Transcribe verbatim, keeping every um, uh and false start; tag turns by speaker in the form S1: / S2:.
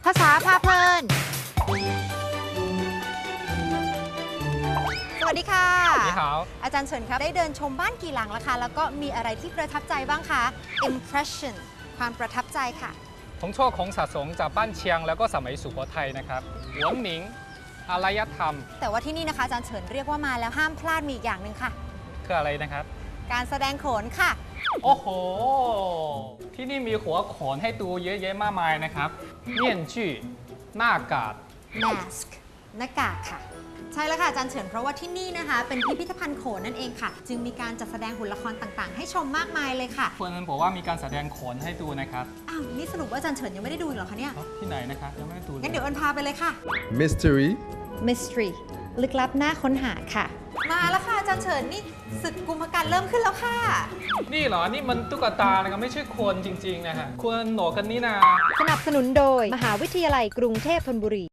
S1: าษาพาเพลินสวัสดีค่ะ
S2: 你好
S1: อาจารย์เฉินครับได้เดินชมบ้านกี่หลังแล้วคะแล้วก็มีอะไรที่ประทับใจบ้างคะ impression ความประทับใจค่ะ
S2: ผมชอบของสะสมจากบ้านเชียงแล้วก็สมัยสุโขทัยนะครับหวนหมิงอารยธรรม
S1: แต่ว่าที่นี่นะคะอาจารย์เฉินเรียกว่ามาแล้วห้ามพลาดมีอีกอย่างหนึ่งค่ะ
S2: คืออะไรนะครับ
S1: การแสดงโขนค่ะ
S2: โอ้โห ที่นี่มีหัวโขนให้ดูเยอะแยะมากมายนะครับเมี่ยนจื่อหน้ากาก
S1: mask หน้ากากค่ะ ใช่แล้วค่ะอาจารย์เฉินเพราะว่าที่นี่นะคะ เป็นพิพิธภัณฑ์โขนนั่นเองค่ะ จึงมีการจัดแสดงหุ่นละครต่างๆ ให้ชมมากมายเลยค่ะ
S2: เพื่อนบอกว่ามีการแสดงโขนให้ดูนะครับ
S1: อ้าวนี่สรุปว่าอาจารย์เฉินยังไม่ได้ดูอีกเหรอคะเนี่ย
S2: เอ้าที่ไหนนะครับยังไม่ได้ดูเลย
S1: งั้นเดี๋ยวเอิญพาไปเลยค่ะ
S3: Mystery
S1: mystery ลึกลับน่าค้นหาค่ะ มาแล้วค่ะอาจารย์เฉินนี่ศึกกุมภกันเริ่มขึ้นแล้วค่ะ
S2: นี่เหรอ นี่มันตุ๊กตานะครับไม่ใช่คนจริงๆนะฮะควรหนวกกันนี่นา
S4: สนับสนุนโดย มหาวิทยาลัยกรุงเทพธนบุรี